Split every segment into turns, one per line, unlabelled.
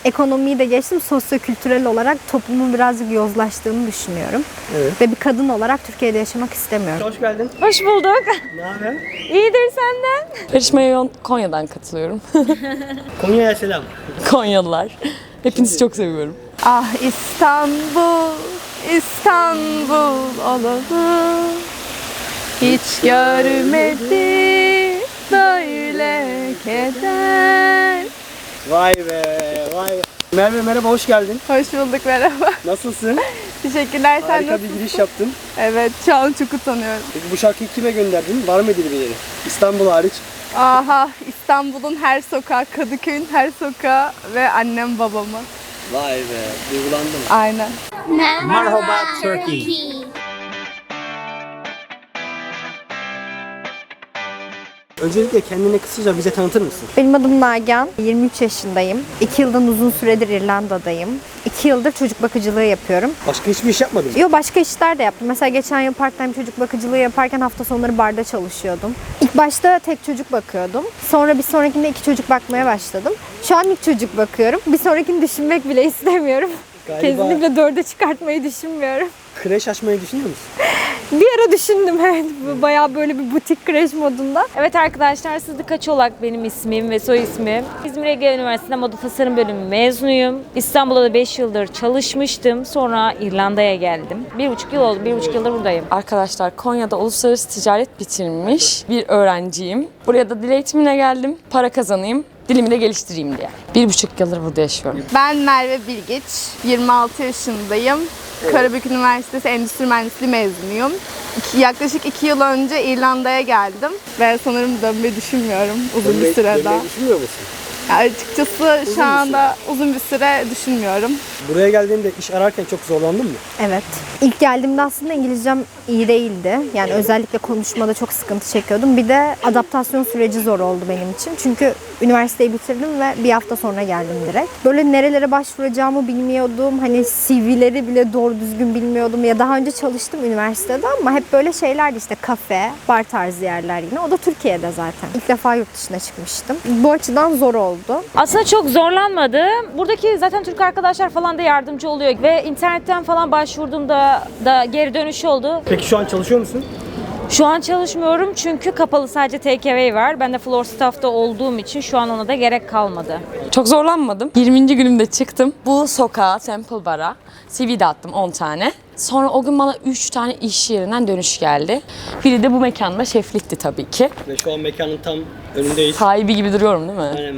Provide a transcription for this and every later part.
ekonomiyi de geçtim, sosyokültürel olarak toplumun birazcık yozlaştığını düşünüyorum.
Evet.
Ve bir kadın olarak Türkiye'de yaşamak istemiyorum.
Hoş geldin.
Hoş bulduk.
Ne haber?
İyidir senden. Yarışmaya Konya'dan katılıyorum.
Konya'ya selam.
Konyalılar. Hepinizi çok seviyorum.
Ah İstanbul, İstanbul olalım. Hiç görmedi böyle keder.
Vay be, vay be. Merve merhaba, hoş geldin.
Hoş bulduk, merhaba.
Nasılsın?
Teşekkürler, sen
Harika bir
nasılsın?
giriş yaptın.
Evet, şu an çok utanıyorum.
Peki bu şarkıyı kime gönderdin? Var mı birileri? İstanbul hariç.
Aha, İstanbul'un her sokağı, Kadıköy'ün her sokağı ve annem babamı.
Vay be, duygulandım.
Aynen.
Merhaba Turkey. Öncelikle kendini kısaca bize tanıtır mısın?
Benim adım Nagihan, 23 yaşındayım. 2 yıldan uzun süredir İrlanda'dayım. 2 yıldır çocuk bakıcılığı yapıyorum.
Başka hiçbir iş yapmadın mı?
Yo, başka işler de yaptım. Mesela geçen yıl part-time çocuk bakıcılığı yaparken hafta sonları barda çalışıyordum. İlk başta tek çocuk bakıyordum. Sonra bir sonrakinde 2 çocuk bakmaya başladım. Şu an ilk çocuk bakıyorum. Bir sonrakini düşünmek bile istemiyorum.
Galiba
Kesinlikle 4'e çıkartmayı düşünmüyorum.
kreş açmayı düşünüyor musun?
Bir ara düşündüm, evet. Bayağı böyle bir butik kreş modunda.
Evet arkadaşlar, Sıdıka Çolak benim ismim ve soy ismim. İzmir Ege Üniversitesi'nde Moda Tasarım Bölümü mezunuyum. İstanbul'da da 5 yıldır çalışmıştım. Sonra İrlanda'ya geldim. 1,5 yıl oldu. 1,5 yıldır buradayım. Arkadaşlar, Konya'da uluslararası ticaret bitirmiş bir öğrenciyim. Buraya da dil eğitimine geldim. Para kazanayım, dilimi de geliştireyim diye. 1,5 yıldır burada yaşıyorum.
Ben Merve Bilgiç, 26 yaşındayım. Karabük Üniversitesi Endüstri Mühendisliği mezunuyum. Yaklaşık 2 yıl önce İrlanda'ya geldim ve sanırım dönmeyi düşünmüyorum uzun bir süre daha.
Dönmeyi düşünmüyor musun?
Ya açıkçası şu anda uzun bir süre düşünmüyorum.
Buraya geldiğinde iş ararken çok zorlandın mı?
Evet. İlk geldiğimde aslında İngilizcem iyi değildi. Yani özellikle konuşmada çok sıkıntı çekiyordum. Bir de adaptasyon süreci zor oldu benim için. Çünkü üniversiteyi bitirdim ve bir hafta sonra geldim direkt. Böyle nerelere başvuracağımı bilmiyordum. Hani CV'leri bile doğru düzgün bilmiyordum. Ya daha önce çalıştım üniversitede ama hep böyle şeylerdi, işte kafe, bar tarzı yerler yine. O da Türkiye'de zaten. İlk defa yurt dışına çıkmıştım. Bu açıdan zor oldu.
Aslında çok zorlanmadım. Buradaki zaten Türk arkadaşlar falan da yardımcı oluyor. Ve internetten falan başvurduğumda da geri dönüş oldu.
Peki şu an çalışıyor musun?
Şu an çalışmıyorum çünkü kapalı, sadece takeaway var. Ben de floor staff'ta olduğum için şu an ona da gerek kalmadı. Çok zorlanmadım. 20. günümde çıktım. Bu sokağa, Temple Bar'a CV de attım 10 tane. Sonra o gün bana 3 tane iş yerinden dönüş geldi. Biri de bu mekanda şeflikti tabii ki.
Ve şu an mekanın tam önündeyiz.
Sahibi gibi duruyorum değil mi?
Aynen.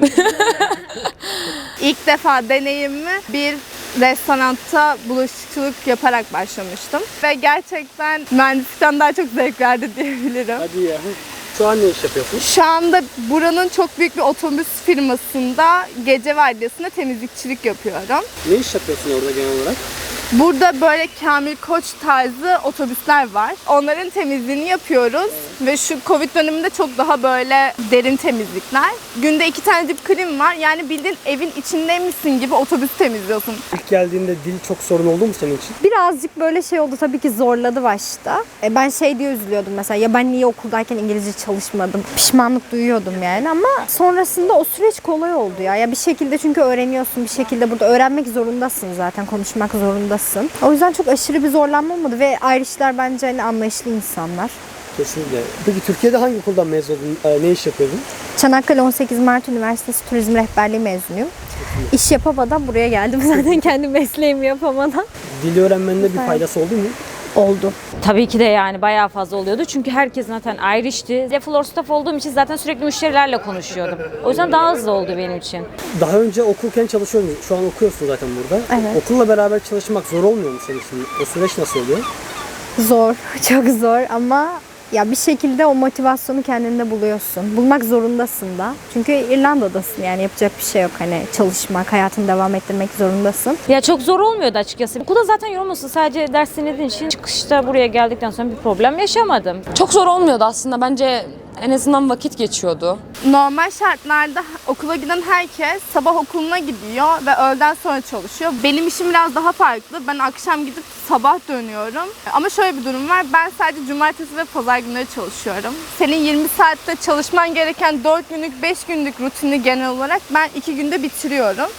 İlk defa deneyimimi bir restoranda bulaşıkçılık yaparak başlamıştım. Ve gerçekten mühendislikten daha çok zevk verdi diyebilirim.
Hadi ya. Şu an ne iş yapıyorsun?
Şu anda buranın çok büyük bir otobüs firmasında gece vardiyasında temizlikçilik yapıyorum.
Ne iş yapıyorsun orada genel olarak?
Burada böyle Kamil Koç tarzı otobüsler var. Onların temizliğini yapıyoruz. Ve şu Covid döneminde çok daha böyle derin temizlikler. Günde 2 tane dip clean var. Yani bildiğin evin içindeymişsin gibi otobüs temizliyorsun.
İlk geldiğinde dil çok sorun oldu mu senin için?
Birazcık böyle şey oldu, tabii ki zorladı başta. Ben şey diye üzülüyordum mesela, ya ben niye okuldayken İngilizce çalışmadım? Pişmanlık duyuyordum yani, ama sonrasında o süreç kolay oldu ya. Ya bir şekilde, çünkü öğreniyorsun, bir şekilde burada öğrenmek zorundasın zaten, konuşmak zorundasın. O yüzden çok aşırı bir zorlanma olmadı ve Irish'ler bence hani anlayışlı insanlar.
Kesinlikle. Peki Türkiye'de hangi okuldan mezun oldun? Ne iş yapıyordun?
Çanakkale 18 Mart Üniversitesi Turizm Rehberliği mezunuyum. İş yapamadan buraya geldim zaten, kendi mesleğimi yapamadan.
Dili öğrenmende bir faydası oldu mu?
Oldu.
Tabii ki de yani bayağı fazla oluyordu. Çünkü herkes zaten Irish'ti. Ve floor staff olduğum için zaten sürekli müşterilerle konuşuyordum. O yüzden daha hızlı oldu benim için.
Daha önce okurken çalışıyordun. Şu an okuyorsun zaten burada.
Evet.
Okulla beraber çalışmak zor olmuyor mu senin için? O süreç nasıl oluyor?
Zor, çok zor ama ya bir şekilde o motivasyonu kendinde buluyorsun. Bulmak zorundasın da. Çünkü İrlanda'dasın, yani yapacak bir şey yok. Hani çalışmak, hayatını devam ettirmek zorundasın.
Ya çok zor olmuyordu açıkçası. Okulda zaten yorulmasın. Sadece ders dinlediğin için çıkışta buraya geldikten sonra bir problem yaşamadım. Çok zor olmuyordu aslında. Bence en azından vakit geçiyordu.
Normal şartlarda okula giden herkes sabah okuluna gidiyor ve öğleden sonra çalışıyor. Benim işim biraz daha farklı. Ben akşam gidip sabah dönüyorum. Ama şöyle bir durum var. Ben sadece cumartesi ve pazar günleri çalışıyorum. Senin 20 saatte çalışman gereken 4 günlük, 5 günlük rutini genel olarak ben 2 günde bitiriyorum.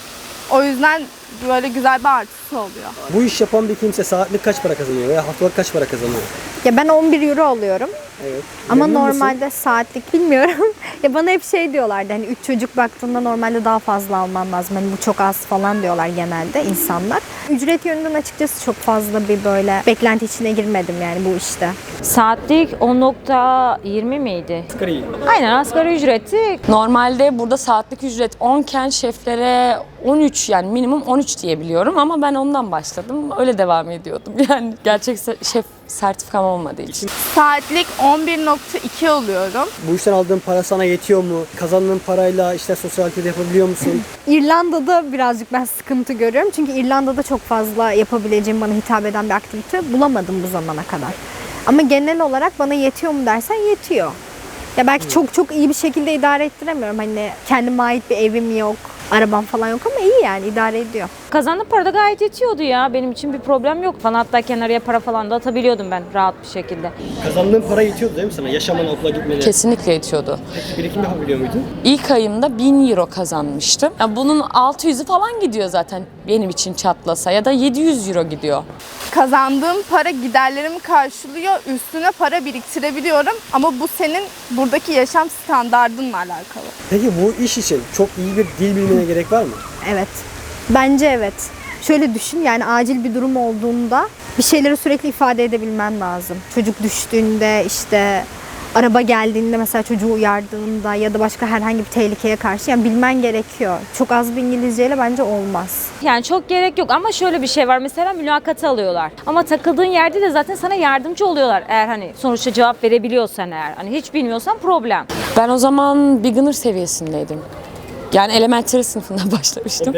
O yüzden böyle güzel bir artısı oluyor.
Bu iş yapan bir kimse saatlik kaç para kazanıyor veya haftalık kaç para kazanıyor?
Ya ben 11 euro alıyorum.
Evet.
Ama
Memnun musun?
normalde saatlik bilmiyorum. Ya bana hep şey diyorlardı, hani 3 çocuk baktığında normalde daha fazla alman lazım. Hani bu çok az falan diyorlar genelde insanlar. Ücret yönünden açıkçası çok fazla bir böyle beklenti içine girmedim yani bu işte.
Saatlik 10.20 miydi?
Asgari.
Aynen, asgari ücreti.
Normalde burada saatlik ücret 10 iken şeflere 13, yani minimum 13 diye biliyorum ama ben ondan başladım. Öyle devam ediyordum. Yani gerçek şef sertifikam olmadığı için.
Saatlik 11.2 alıyorum.
Bu işten aldığın para sana yetiyor mu? Kazandığın parayla işte sosyal aktivite yapabiliyor musun?
İrlanda'da birazcık ben sıkıntı görüyorum. Çünkü İrlanda'da çok fazla yapabileceğim, bana hitap eden bir aktivite bulamadım bu zamana kadar. Ama genel olarak bana yetiyor mu dersen yetiyor. Ya belki çok iyi bir şekilde idare ettiremiyorum. Hani kendime ait bir evim yok, arabam falan yok ama iyi yani idare ediyor.
Kazandığım para da gayet yetiyordu ya. Benim için bir problem yok falan. Hatta kenarıya para falan da atabiliyordum ben rahat bir şekilde.
Kazandığın para yetiyordu değil mi sana? Yaşamana, okula gitmene.
Kesinlikle yetiyordu.
Peki birikim yapabiliyor muydun?
İlk ayımda 1000 euro kazanmıştım. Yani bunun 600'ü falan gidiyor zaten benim için çatlasa, ya da 700 euro gidiyor.
Kazandığım para giderlerimi karşılıyor. Üstüne para biriktirebiliyorum. Ama bu senin buradaki yaşam standardınla alakalı.
Peki bu iş için çok iyi bir dil bilmene gerek var mı?
Evet. Bence evet. Şöyle düşün, yani acil bir durum olduğunda bir şeyleri sürekli ifade edebilmen lazım. Çocuk düştüğünde, işte araba geldiğinde, mesela çocuğu uyardığında ya da başka herhangi bir tehlikeye karşı yani bilmen gerekiyor. Çok az bir İngilizceyle bence olmaz.
Yani çok gerek yok ama şöyle bir şey var. Mesela mülakatı alıyorlar. Ama takıldığın yerde de zaten sana yardımcı oluyorlar. Eğer hani sonuçta cevap verebiliyorsan eğer. Hani hiç bilmiyorsan problem.
Ben o zaman beginner seviyesindeydim. Yani elementary sınıfından başlamıştım.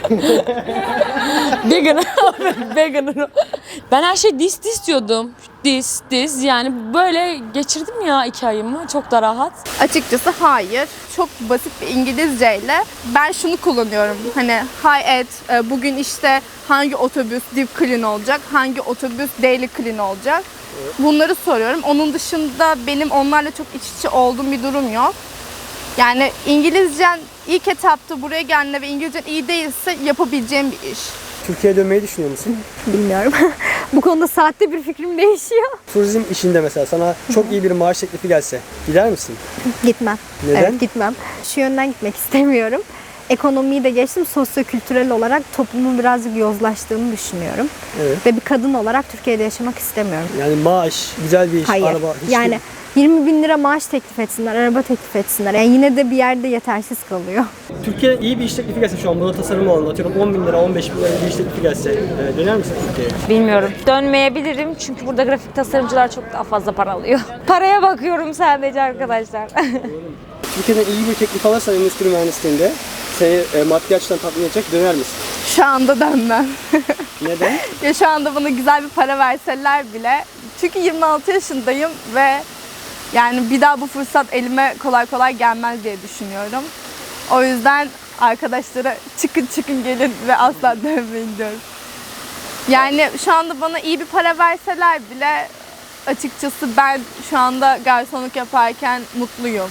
Beginner. Beginner. Ben her şey dis diyordum. Dis. Yani böyle geçirdim ya 2 ayımı. Çok da rahat.
Açıkçası hayır. Çok basit bir İngilizceyle ben şunu kullanıyorum. Hani hi Ed, bugün işte hangi otobüs deep clean olacak, hangi otobüs daily clean olacak. Bunları soruyorum. Onun dışında benim onlarla çok iç içe olduğum bir durum yok. Yani İngilizcen ilk etapta buraya geldiğinde ve İngilizcen iyi değilse yapabileceğim bir iş.
Türkiye'ye dönmeyi düşünüyor musun?
Bilmiyorum. Bu konuda saatte bir fikrim değişiyor.
Turizm işinde mesela sana çok iyi bir maaş teklifi gelse gider misin?
Gitmem.
Neden?
Evet, gitmem. Şu yönden gitmek istemiyorum. Ekonomiyi de geçtim, sosyokültürel olarak toplumun birazcık yozlaştığını düşünüyorum.
Evet.
Ve bir kadın olarak Türkiye'de yaşamak istemiyorum.
Yani maaş, güzel bir iş,
Hayır.
araba, hiç
Yani 20 bin lira maaş teklif etsinler, araba teklif etsinler. Yani yine de bir yerde yetersiz kalıyor.
Türkiye'ye iyi bir iş teklifi gelse şu an moda tasarımı alanında atıyorum 10 bin lira, 15 bin lira bir iş teklifi gelse döner misin Türkiye'ye?
Bilmiyorum. Dönmeyebilirim çünkü burada grafik tasarımcılar çok daha fazla para alıyor. Paraya bakıyorum sadece arkadaşlar.
Türkiye'den iyi bir teklif alırsan endüstri mühendisliğinde seni maddi açıdan tatmin edecek, döner misin?
Şu anda dönmem.
Neden?
Ya şu anda bana güzel bir para verseler bile. Çünkü 26 yaşındayım ve yani bir daha bu fırsat elime kolay kolay gelmez diye düşünüyorum. O yüzden arkadaşlara çıkın gelin ve asla dönmeyin diyorum. Yani şu anda bana iyi bir para verseler bile açıkçası ben şu anda garsonluk yaparken mutluyum.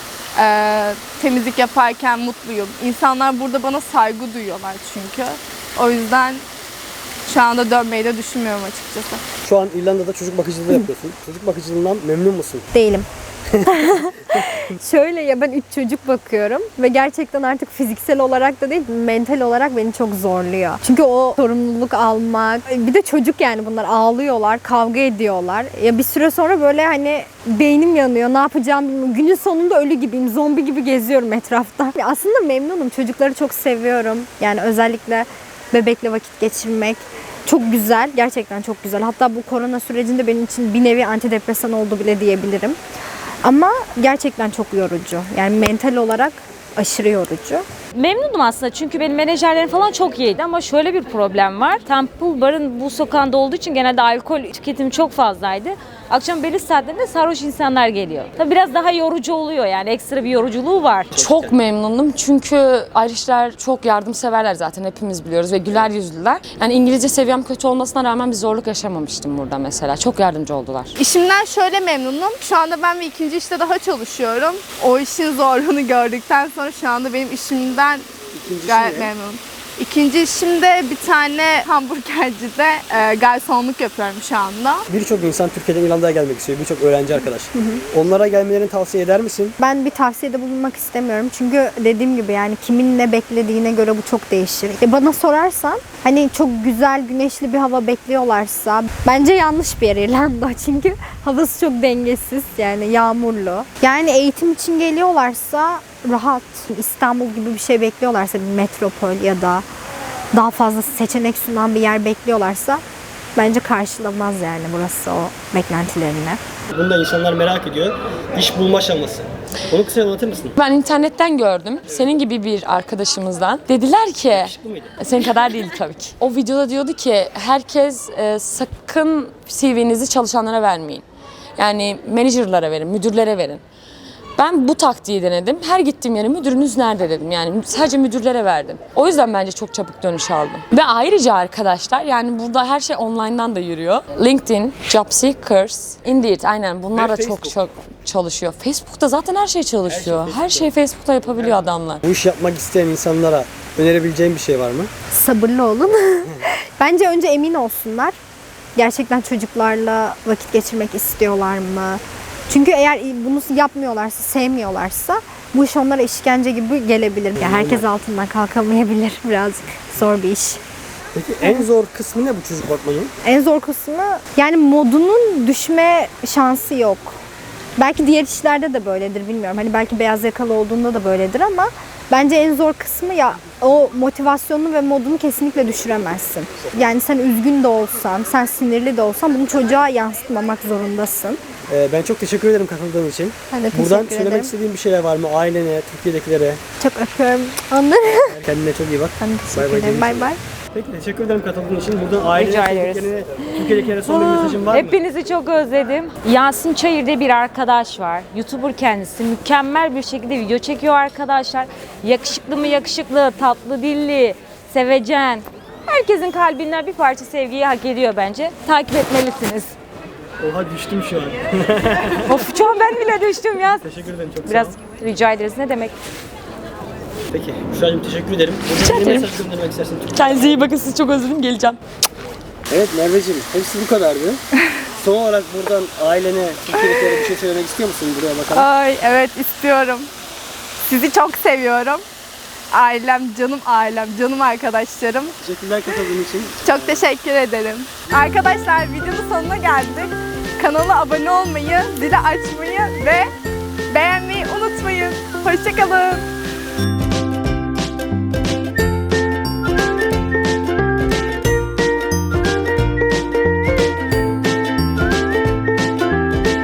Temizlik yaparken mutluyum. İnsanlar burada bana saygı duyuyorlar çünkü. O yüzden şu anda dönmeyi de düşünmüyorum açıkçası.
Şu an İrlanda'da çocuk bakıcılığı yapıyorsun. Çocuk bakıcılığından memnun musun?
Değilim. Şöyle ya, ben 3 çocuk bakıyorum ve gerçekten artık fiziksel olarak da değil, mental olarak beni çok zorluyor. Çünkü o sorumluluk almak, bir de çocuk yani, bunlar ağlıyorlar, kavga ediyorlar. Ya bir süre sonra böyle hani beynim yanıyor, ne yapacağım bilmiyorum. Günün sonunda ölü gibiyim, zombi gibi geziyorum etrafta. Ya aslında memnunum, çocukları çok seviyorum. Yani özellikle bebekle vakit geçirmek çok güzel, gerçekten çok güzel. Hatta bu korona sürecinde benim için bir nevi antidepresan oldu bile diyebilirim. Ama gerçekten çok yorucu. Yani mental olarak aşırı yorucu.
Memnunum aslında çünkü benim menajerlerim falan çok iyiydi ama şöyle bir problem var. Temple Bar'ın bu sokağında olduğu için genelde alkol tüketimi çok fazlaydı. Akşam belli saatlerinde sarhoş insanlar geliyor. Tabii biraz daha yorucu oluyor, yani ekstra bir yoruculuğu var.
Çok memnunum çünkü Irishler çok yardımseverler, zaten hepimiz biliyoruz ve güler yüzlüler. Yani İngilizce seviyem kötü olmasına rağmen bir zorluk yaşamamıştım burada mesela. Çok yardımcı oldular.
İşimden şöyle memnunum. Şu anda ben bir ikinci işte daha çalışıyorum. O işin zorluğunu gördükten sonra şu anda benim işimden
İkincisi
gayet
ne?
memnunum. İkinci işim de bir tane hamburgercide garsonluk yapıyorum şu anda.
Birçok insan Türkiye'den İrlanda'ya gelmek istiyor. Birçok öğrenci arkadaş. Onlara gelmelerini tavsiye eder misin?
Ben bir tavsiyede bulunmak istemiyorum. Çünkü dediğim gibi yani kimin ne beklediğine göre bu çok değişir. Bana sorarsan hani çok güzel güneşli bir hava bekliyorlarsa bence yanlış bir yer İrlanda. Çünkü havası çok dengesiz, yani yağmurlu. Yani eğitim için geliyorlarsa rahat, İstanbul gibi bir şey bekliyorlarsa, bir metropol ya da daha fazla seçenek sunan bir yer bekliyorlarsa bence karşılamaz yani burası o beklentilerini.
Bunu da insanlar merak ediyor. İş bulma aşaması. Onu kısaca anlatır mısın?
Ben internetten gördüm. Senin gibi bir arkadaşımızdan. Dediler ki,
Bu muydu?
senin kadar değil tabii ki. O videoda diyordu ki herkes sakın CV'nizi çalışanlara vermeyin. Yani menajerlara verin, müdürlere verin. Ben bu taktiği denedim. Her gittiğim yere müdürünüz nerede dedim. Yani sadece müdürlere verdim. O yüzden bence çok çabuk dönüş aldım. Ve ayrıca arkadaşlar yani burada her şey online'dan da yürüyor. LinkedIn, Jobseekers, Indeed aynen bunlar da çok çalışıyor. Facebook'ta zaten her şey çalışıyor. Her şey Facebook'ta yapabiliyor adamlar.
Bu iş yapmak isteyen insanlara önerebileceğin bir şey var mı?
Sabırlı olun. Bence önce emin olsunlar. Gerçekten çocuklarla vakit geçirmek istiyorlar mı? Çünkü eğer bunu yapmıyorlarsa, sevmiyorlarsa bu iş onlara işkence gibi gelebilir. Yani herkes altından kalkamayabilir. Birazcık zor bir iş.
Peki en zor kısmı ne bu çocuk bakmanın?
En zor kısmı yani modunun düşme şansı yok. Belki diğer işlerde de böyledir bilmiyorum. Hani belki beyaz yakalı olduğunda da böyledir ama bence en zor kısmı ya o motivasyonunu ve modunu kesinlikle düşüremezsin. Yani sen üzgün de olsan, sen sinirli de olsan bunu çocuğa yansıtmamak zorundasın.
Ben çok teşekkür ederim katıldığın için.
Ben de
Buradan
teşekkür
söylemek
ederim.
istediğin bir şeyler var mı? Ailene, Türkiye'dekilere.
Çok öpüyorum onları.
Kendine çok iyi bak.
Ben de
Bay bay
teşekkür ederim.
diyelim
Bay
sana.
bay.
Peki teşekkür ederim katıldığın için. Buradan ailene,
Rica ederiz.
sevdiklerine, Türkiye'dekilere son bir mesajın var mı?
Hepinizi çok özledim. Yasin Çayır diye bir arkadaş var. YouTuber kendisi. Mükemmel bir şekilde video çekiyor arkadaşlar. Yakışıklı mı yakışıklı, tatlı dilli, sevecen. Herkesin kalbinden bir parça sevgiyi hak ediyor bence. Takip etmelisiniz.
Oha düştüm şu an.
Of şu an ben bile düştüm ya.
Teşekkür ederim çok
Biraz
sağ ol.
rica ederiz. Ne demek?
Peki Büşra'cığım teşekkür ederim.
Rica
Ne
ederim.
mesaj göndermek istersin?
Kendinize iyi bakın, sizi çok özledim, geleceğim.
Evet Merveciğim hepsi bu kadardı. Son olarak buradan ailene, Türkiye'dekilere bir şey söylemek istiyor musun buraya bakalım?
Ay evet istiyorum. Sizi çok seviyorum. Ailem, canım arkadaşlarım.
Teşekkürler katıldığın için.
Çok teşekkür ederim. Arkadaşlar videonun sonuna geldik. Kanala abone olmayı, zili açmayı ve beğenmeyi unutmayın. Hoşçakalın.